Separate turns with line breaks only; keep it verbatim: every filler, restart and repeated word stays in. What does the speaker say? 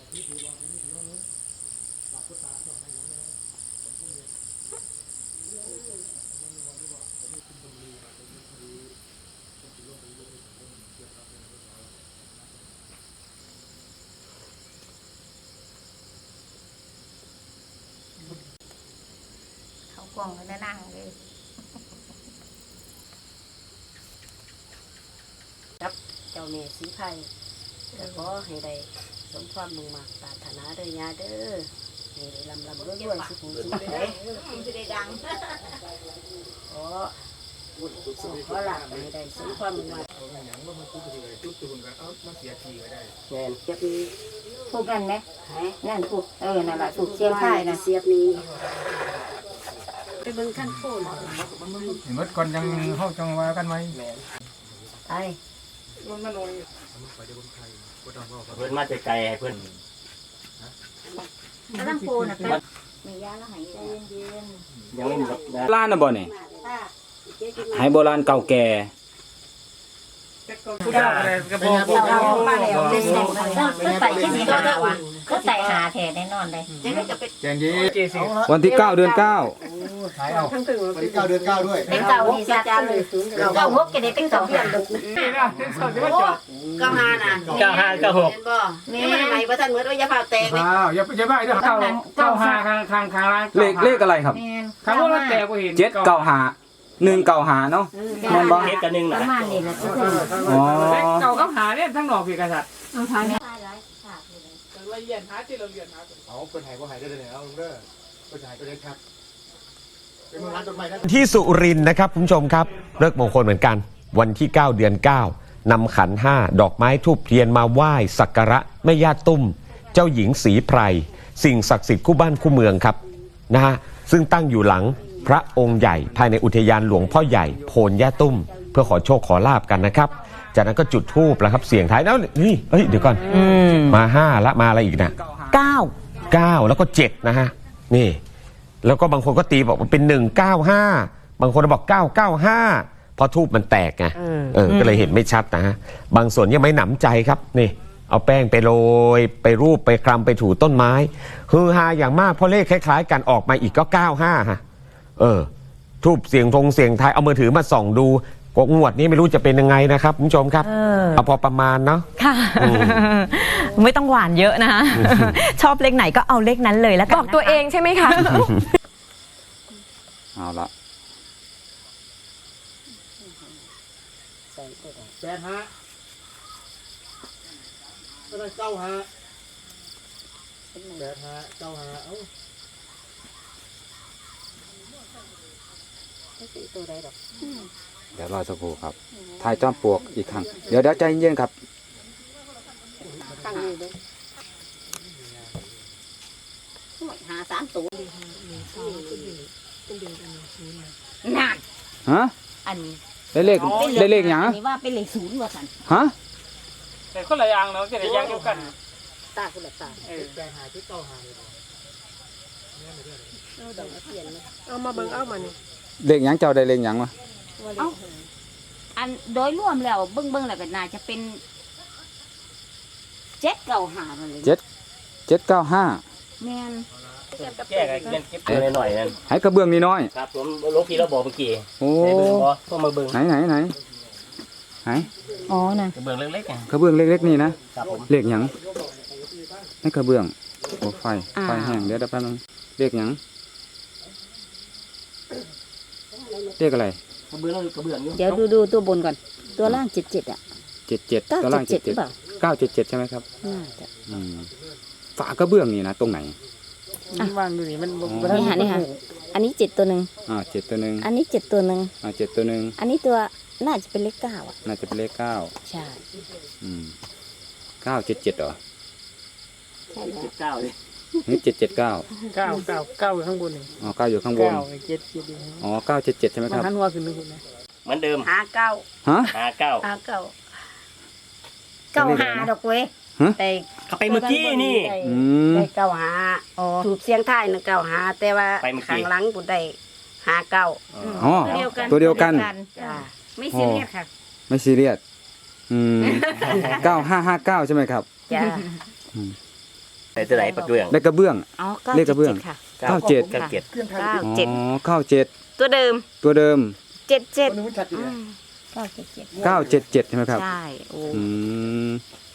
เขากล่องแล้วนั่งเลย
ครับเจ้าเมสีไผ่ก็ขอให้ได้สมความมุ่งมั่นปรารถนาเด้อยาเด้อให้ได้ลำลำรวยรวยสุขสุขใจจะได้ดังขอบุญสุขขอหลักให้ได้สมความมุ่งมั่นแม่นเก็บนี้
ถูกกันไหมนั่นถูกเออนั่นแหละถูกเสียงไทยนะ
เสียบนี้ไปเบิ่งขั้นโคน
เมื่อก่อนยังเข้าจังว่ากันไหม
ไป
เพื่อนมาไกลให้เพื่อน
กำลังโปนะแต่มียาแล้วหายใจเย็น
ยังไม่หมดนะ
โบราณนะบ่เนี่ยหายโบราณเก่าแก่
ผู้ได้อะไรกระบอก
ๆเราเอามาแล้วเด็กๆก็ใส่ที่นี่หาวะก็ใส่หาแทนแน่นอนเลย
แจงยีเจสิ
วันที่เก้าเดือนเก้า
ขายเอาวันที่เก้าเดือนเก้าด้วย
เป็นเก่าที่สัตว์เลยเก่าหกจะได้เป็นเก่าหา
นี่นะที่สดที่ว่าจบ
เก้าห้าน่ะ
เก้าห้าเก้าหก
เห็นบ่นี่มันใหม่บ่ทันเหมือนว่ายาพาแตกเลย
อ้าวอย่าอย่าไปเด้อเข้าเข้าหาข้างข้างข้างร้าน
เลขเลขอะไรครับ
ข้างว่ามันแตกบ่เห็น
เจ็ดเก้าหาหนึ่งเก้าหาเนาะแม่นบ่
เฮ็ดกันหนึ่ง
ป
นะ
ระมาณนี้แหละทุกคน
อ๋อ
เก่ากับหาเนี่ยทั้งดอกพี่กษัตริย์
เอาทางนี้หลายฉากเลย
ละเอียดหาที่ละเอียดหาเอาเพิ่นหายบ่หายได้เลยเอาลุงเด้อเพิ่นหายก็ได้ครับเป็นร้านต้นไม้นะ
ที่สุรินทร์นะครับคุณผู้ชมครับเลิกมงคลเหมือนกันวันที่เก้าเดือนเก้านำขันห้าดอกไม้ทูบเทียนมาไหว้สักการะแม่ย่าตุ้ม เจ้าหญิงศรีไพรสิ่งศักดิ์สิทธิ์คู่บ้านคู่เมืองครับนะฮะซึ่งตั้งอยู่หลังพระองค์ใหญ่ภายในอุทยานหลวงพ่อใหญ่โพนย่าตุ้ม เพื่อขอโชคขอลาบกันนะครับจากนั้นก็จุดธูปแล้วครับเสียงท้ายแล้วนี่เฮ้ยเดี๋ยวก่อนมาห้าละมาอะไรอีกนะ
เก้า
เก้าแล้วก็เจ็ดนะฮะนี่แล้วก็บางคนก็ตีบอกว่าเป็นหนึ่งเก้าห้าบางคนบอกเก้าเก้าห้าเพราะทูบมันแตกไงเออก็เลยเห็นไม่ชัดนะฮะบางส่วนยังไม่หนำใจครับนี่เอาแป้งไปโรยไปรูปไปคลำไปถูต้นไม้ฮือฮาอย่างมากเพราะเลขคล้ายๆกันออกมาอีกก็เก้าห้าฮะเออทูบเสียงทงเสียงไทายเอามือถือมาส่องดูกงวดนี้ไม่รู้จะเป็นยังไงนะครับคุณผู้ชมครับเอาพอประมาณเนาะ
ค่ะ ไม่ต้องหวานเยอะนะคะ ชอบเลขไหนก็เอาเลขนั้นเลยแล้วกันบอกตัวเองใช่ไหมคะ
เอาละ
แปดห้าก็ได้เก้าห้าแปดห้าเก้าห้าเอ้า
ตัวใดดอก
เดี๋ยวรอสักครู่ครับทายจอมปลวกอีกครั้งเดี๋ยวเดี๋ยวใจเย็นๆครับ
ตั้งนี่เด้อหาสามตัว
น่ะ
ฮะ
อันนี้
ได้เลขได้เลขหยัง
อันนี้ว่าเป็นเลขศูนย์ว่าสัน
ฮะ
แต่คนละอย่างเนาะจะได้อย่างเดียวกัน
ตาคนละตา
เออแปดห้าที่เก้าห้าเลย
เอาดอกเทียนมา
เอามาเบิ่งเอามานี่
เลขหยังเจ้าได้เลขหยังวะ
เอ้าอันโดยรวมแล้วเบิ้งเบิ้งแล้วก็น่าจะเป็นเจ็ดเก่าหาเลย
เจ็ดเจ็ดเก้าห้า
แม่น
แก้กันเก็บตัวหน่อยนั่น
ให้กระเบื้องนี่น้อย
ครับผมลงพี่เราบอกเมื่อกี้
โอ้
ให้เบิ่งบ่ต้องมาเบิ่ง
ไหนไหนไหนไหน
อ๋อน่ะ
เบิ่งเล็กๆอ่ะ
กระเบื้องเล็กๆนี่นะครับ
ผม
เลขหยังให้กระเบื้องโอ้ไฟไฟแห้งเดี๋ยวเดี๋ยวแป๊บนึงเลขหยังเลขอะไร
กระเบื้องกระเบื้องอยู่
เดี๋ยวดูดูตัวบนก่อน ตัวล่างเจ็ดเจ็ดอ่ะ
เจ็ดเจ็ด
เก้า
ตัว
เจ็
ล่า
ด
ง
เจ็
เจ็
ด
ด
หรือ
เจ็ด
เปล่า
เก้าเจ็ดเจ็ดใช่ไหมครับ
น่าจะ
อืมฝากระเบื้องนี่นะตรงไหน
วางอยู่นี่มัน
นี่ค่ะนี่ค่ะอันนี้เจ็ดตัวหนึ่ง
อ่าเจ็ดตัวหนึ่ง
อันนี้เจ็ดตัวหนึ่ง
อ่าเจ็ดตัวหนึ่ง
อันนี้ตัวน่าจะเป็นเลขเก้าอ่ะ
น่าจะเป็นเลขเก้า
ใช่
อืมเก้าเจ็ดเจ็ดเหรอ
ใช่แล้ว
เก้าเลย
นี่เจ็ดเจ็ดเก้า
เก้าเก้าเก้าอยู่ข้างบนนี่
อ๋อเก้าอยู่ข้างบน
เก้าเจ็ดเจ็ด
อ๋อเก้าเจ็ดเจ็ดใช่ไหม
มั
คน รับ
หันหัวขึ้นนึงนะ
เหมือนเดิมหาเก้า
ฮะ
ห้าเก้า
อ่าเก้าเก้าหาดอกเว้ย
ฮะ
แต่
เขาไปเมื่อกี้นี่
อืม
ได้เก้าหา
อ๋อ
ถูกเสียงท้ายนะเก้าหาแต่ว่า
ไปเมื่อกี้
ข้างหลังกูได้หาเก้า
อ๋อ
ตัวเดียวกัน
ตัวเดียวกัน
จ้า
ไม่ซีเรียสค่ะ
ไม่ซีเรียสอืมเก้าห้าห้าเก้าใช่ไหมครับ
จ้า
แต่ตัวไหนปักเบื้อง
ได้กระเบื้อง
อ๋อเก้า
เลขกระเบื้อง
จ็ดค่ะ
เก้าเจ็ด
เก้าเจ็ด
เครื่องทาง
เก้า
อ๋
เจ็ด
อเก้าเจ็ด
ตัวเดิม
ตัวเดิม
เจ็ดเจ็ด
คนนึงมันชัดอยู่
อื
เนี่ย
ม
เก้าเจ็ดเจ็ด
เก้าเจ็ดเจ็ดใช่ไหมครับ
ใช่โอ้
อืม